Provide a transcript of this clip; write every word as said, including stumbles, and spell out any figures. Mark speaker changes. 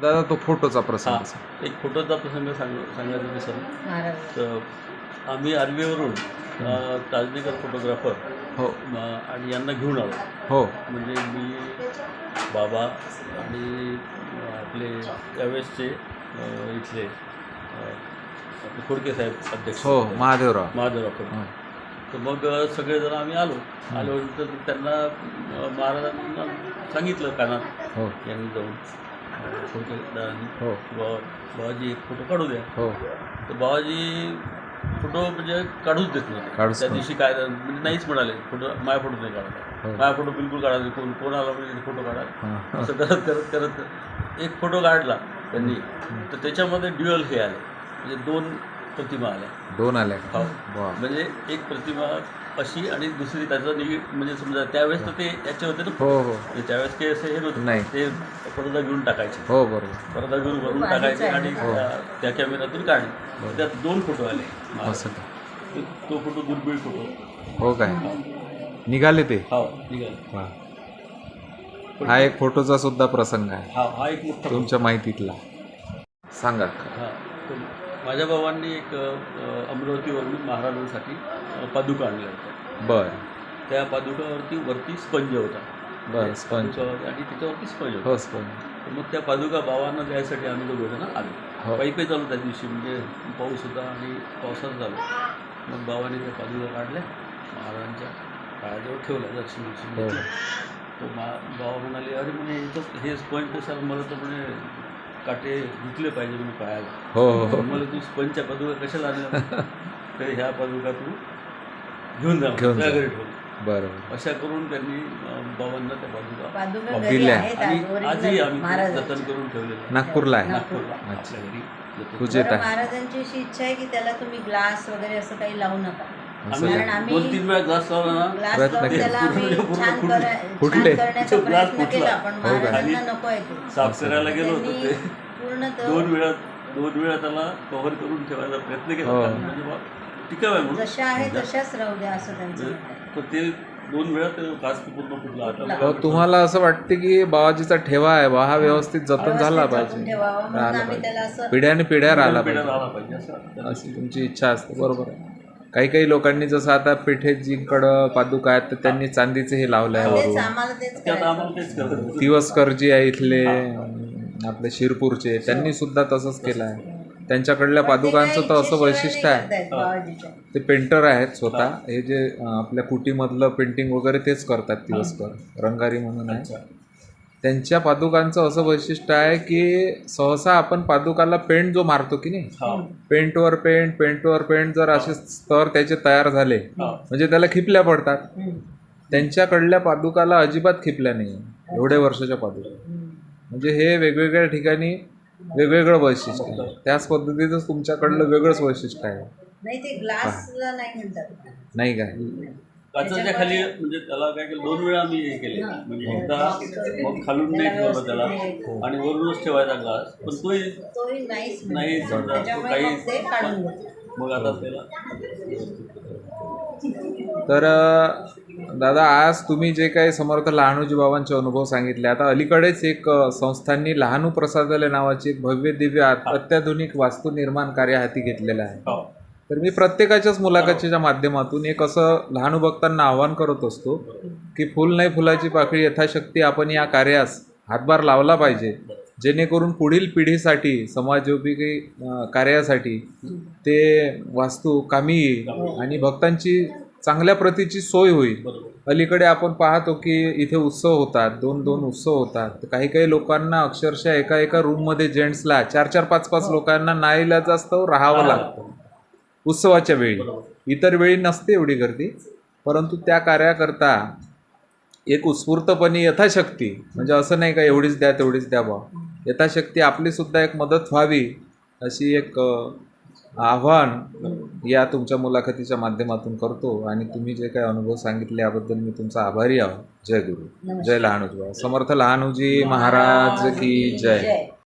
Speaker 1: दादा तो फोटोचा
Speaker 2: हां
Speaker 1: प्रसंग
Speaker 2: एक फोटोचा प्रसंग सांग सांगायचं विसरलो. तर आम्ही आर्वीवरून ताजनेकर फोटोग्राफर
Speaker 1: हो
Speaker 2: आणि यांना घेऊन आलो.
Speaker 1: हो
Speaker 2: म्हणजे मी बाबा आणि आपले त्यावेळेसचे इथले आपले खोडके साहेब अध्यक्ष
Speaker 1: हो महादेवराव
Speaker 2: महादेवराव खोडके. तर मग सगळेजण आम्ही आलो. आल्यानंतर त्यांना महाराजांना सांगितलं कानात
Speaker 1: हो
Speaker 2: यांनी जाऊन खोडके दादांनी
Speaker 1: हो
Speaker 2: बाबा बाबाजी एक फोटो काढू द्या.
Speaker 1: हो
Speaker 2: तर बाबाजी फोटो म्हणजे काढूच देत नव्हते.
Speaker 1: काढूच
Speaker 2: त्या
Speaker 1: नव्हते.
Speaker 2: दिवशी काय म्हणजे नाहीच म्हणाले फोटो माझ्या फोटो नाही काढा.
Speaker 1: हो.
Speaker 2: माझ्या फोटो बिलकुल काढायचे कोण कोण आला म्हणजे फोटो काढा
Speaker 1: हां.
Speaker 2: असं करत करत करत एक फोटो काढला त्यांनी. तर त्याच्यामध्ये ड्युअल हे आले म्हणजे दोन प्रतिमा आल्या.
Speaker 1: दोन आल्या
Speaker 2: हो
Speaker 1: वा
Speaker 2: म्हणजे एक प्रतिमा अशी आणि दुसरी त्याचं निगेट म्हणजे समजा त्यावेळेस तर ते याचे होते ना.
Speaker 1: हो हो
Speaker 2: म्हणजे त्यावेळेस काही असं हे नव्हतं.
Speaker 1: नाही.
Speaker 2: ते पडदा घेऊन टाकायचे.
Speaker 1: हो बरोबर
Speaker 2: पडदा घेऊन वरून टाकायचे आणि
Speaker 1: हो.
Speaker 2: त्या- त्या कॅमेऱ्यातून काढले. त्यात दोन फोटो आले.
Speaker 1: असं का?
Speaker 2: तो- तो फोटो दुर्मिळ फोटो.
Speaker 1: हो काय निघाले ते
Speaker 2: हो निघाले.
Speaker 1: वा हा एक फोटोचा सुद्धा प्रसंग आहे
Speaker 2: हा हा एक मोठा
Speaker 1: तुमच्या माहितीतला सांगा.
Speaker 2: हां तर माझ्या भावांनी एक अ, अमरावतीवरून महाराजांसाठी अ, पादुका आणल्या होत्या.
Speaker 1: बर
Speaker 2: त्या पादुकावरती वरती स्पंज होता.
Speaker 1: बर स्पंज
Speaker 2: पादुकावरती आणि त्याच्यावरती स्पंज होता.
Speaker 1: हो स्पंज
Speaker 2: तर मग त्या पादुका भावांना द्यायसाठी आम्ही दोघं जण आलो.
Speaker 1: हो.
Speaker 2: पायी पायी चालू त्या दिवशी म्हणजे पाऊस होता आणि पावसात चालू. मग भावाने त्या पादुका काढल्या महाराजांच्या पायाजवळ ठेवल्या दर्शन दर्शन
Speaker 1: हो.
Speaker 2: घेतलं. तो मा बाबा म्हणाले अरे म्हणे इथं हे स्पंज कशाला मला तर म्हणे काटे धुतले पाहिजे म्हणे पायाला.
Speaker 1: हो हो हो
Speaker 2: मला तू स्पंजच्या पादुका कशाला आणल्या तर ह्या पादुका तू घेऊन जा
Speaker 1: घेऊन
Speaker 2: त्या
Speaker 1: जा.
Speaker 2: घरी ठेवून.
Speaker 1: बरोबर
Speaker 2: अशा करून त्यांनी अं, बाबांना त्या पादुका
Speaker 3: पादुका घरी
Speaker 1: दिल्या.
Speaker 3: आहेत
Speaker 2: आणि
Speaker 3: आज,
Speaker 2: आजही
Speaker 3: original
Speaker 2: आम्ही ते
Speaker 3: महाराजांची.
Speaker 2: जतन करून ठेवलेलं आहे.
Speaker 1: नागपूरला आहे
Speaker 2: नागपूरला
Speaker 1: अच्छा.
Speaker 2: आपल्या घरी जतन.
Speaker 1: पूजेत
Speaker 3: बरं,
Speaker 1: आहे
Speaker 3: महाराजांची अशी इच्छा आहे की त्याला तुम्ही ग्लास वगैरे असं काही लावू नका.
Speaker 1: असं
Speaker 2: आम्ही
Speaker 3: कारण
Speaker 1: का?
Speaker 3: आम्ही
Speaker 2: दोन तीन वेळा ग्लास लावला ना
Speaker 3: ग्लास
Speaker 1: प्रयत्न
Speaker 3: लावून
Speaker 1: केला.
Speaker 3: त्याला आम्ही
Speaker 2: पूर्ण-
Speaker 3: छान
Speaker 2: पूर्ण
Speaker 3: करा-
Speaker 1: फुटले.
Speaker 3: छान करण्याचा
Speaker 2: तो ग्लास
Speaker 3: प्रयत्न
Speaker 2: फुटला.
Speaker 3: केला पण
Speaker 1: हो का?
Speaker 3: महाराजांना नको आहे ते.
Speaker 2: साफ करायला गेलो होतो
Speaker 3: त्यांनी
Speaker 2: ते
Speaker 3: पूर्ण तो
Speaker 2: दोन वेळा दोन वेळा त्याला कव्हर करून ठेवायचा प्रयत्न केला.
Speaker 1: हो.
Speaker 2: कारण म्हणजे बा टिकाव आहे म्हणून.
Speaker 3: जशा आहे तशाच राहू द्या असं त्यांचं
Speaker 2: म्हणजे
Speaker 3: म्हणणं आहे.
Speaker 2: तर ते दोन वेळा ते ग्लास पूर्ण फुटला. आता
Speaker 1: हो, तुम्हाला असं वाटते की बाबाजीचा ठेवा आहे बा हा व्यवस्थित जतन झाला
Speaker 3: व्यवस्थित जपून
Speaker 1: पाहिजे
Speaker 3: ठेवावा म्हणून
Speaker 1: राहिला
Speaker 3: आम्ही त्याला
Speaker 1: पाहिजे
Speaker 3: असं
Speaker 1: पिढ्याने पिढ्या राहिला
Speaker 2: पिढ्या
Speaker 1: पाहिजे
Speaker 2: राहिला पाहिजे असं
Speaker 1: अशी तुमची इच्छा असते बरोबर आहे. काही काही लोकांनी जसं आता पेठेजीकडं पादुका आहेत तर त्यांनी चांदीचे हे लावलं आहे
Speaker 3: तेच
Speaker 1: वरून.
Speaker 3: आम्हाला तेच
Speaker 2: ते आता
Speaker 3: करायचं.
Speaker 2: आम्हाला तेच करत
Speaker 1: दिवसकरजी आहे इथले आपले शिरपूरचे त्यांनी सुद्धा तसंच केलं आहे. त्यांच्याकडल्या पादुकांचं तर असं वैशिष्ट्य आहे
Speaker 3: आहे
Speaker 1: ते पेंटर आहेत स्वतः हे जे अं, आपल्या कुटीमधलं पेंटिंग वगैरे तेच करतात दिवसकर रंगारी म्हणून आहे. त्यांच्या पादुकांचं असं वैशिष्ट्य आहे की सहसा आपण पादुकाला पेंट जो मारतो की नाही
Speaker 2: हा
Speaker 1: पेंटवर पेंट पेंटवर पेंट जर असे स्तर त्याचे तयार झाले
Speaker 2: हा
Speaker 1: म्हणजे त्याला खिपल्या पडतात. त्यांच्याकडल्या पादुकाला अजिबात खिपल्या नाही एवढे वर्षाच्या पादुका. म्हणजे हे वेगवेगळ्या ठिकाणी वेगवेगळं वैशिष्ट्य आहे. त्याच पद्धतीचं तुमच्याकडलं वेगळंच वैशिष्ट्य आहे
Speaker 3: नाही ते ग्लासला नाही म्हणतात.
Speaker 1: नाही काय.
Speaker 2: काचाच्या खाली म्हणजे त्याला काय केलं दोन वेळा आम्ही हे केले म्हणजे एकदा मग खालून नाही ठेवलं त्याला आणि वरूनच ठेवायचा ग्लास पण तोही
Speaker 3: तोही नाहीच
Speaker 2: नाही
Speaker 3: म्हणतात.
Speaker 2: समजा तो
Speaker 3: त्याच्यामुळे
Speaker 2: काही
Speaker 3: मग ते काढून घेतलं.
Speaker 2: मग आता त्याला
Speaker 1: तर अं, दादा आज तुम्ही जे काही समर्थ लहानूजी बाबांचे अनुभव सांगितले आता अलीकडेच एक अं, संस्थांनी लहानू प्रसादालय नावाची एक भव्य दिव्य अत- अत्याधुनिक वास्तू निर्माण कार्य हाती घेतलेलं आहे.
Speaker 2: हो
Speaker 1: तर मी प्रत्येकाच्याच मुलाखतीच्या माध्यमातून एक असं लहानू भक्तांना आवाहन करत असतो की फुल नाही फुलाची पाकळी यथाशक्ती आपण या कार्यास हातभार लावला पाहिजे जेणेकरून पुढील पिढीसाठी समाजोपयोगी अं, कार्यासाठी ते वास्तू कामी येईल आणि भक्तांची चांगल्या प्रतीची सोय होईल.
Speaker 2: बरोबर
Speaker 1: अलीकडे आपण पाहतो की इथे उत्सव होतात दोन दोन उत्सव होतात तर काही काही लोकांना अक्षरशः एका एका रूममध्ये जेंट्सला चार चार पाच पाच लोकांना नाईलाजास्तव राहावं लागतं उत्सवाच्या वेळी. इतर वेळी नसते एवढी गर्दी परंतु त्या कार्याकरता एक उत्स्फूर्तपणे यथाशक्ती म्हणजे असं नाही का एवढीच द्या तेवढीच द्या बा यथाशक्ती आपलीसुद्धा एक मदत व्हावी अशी एक आव्हान या तुमच्या मुलाखतीच्या माध्यमातून करतो. आणि तुम्ही जे काही अनुभव सांगितले याबद्दल मी तुमचा आभारी आहो. जय गुरु जय लहानूजी बाबा समर्थ लहानूजी महाराज की जय.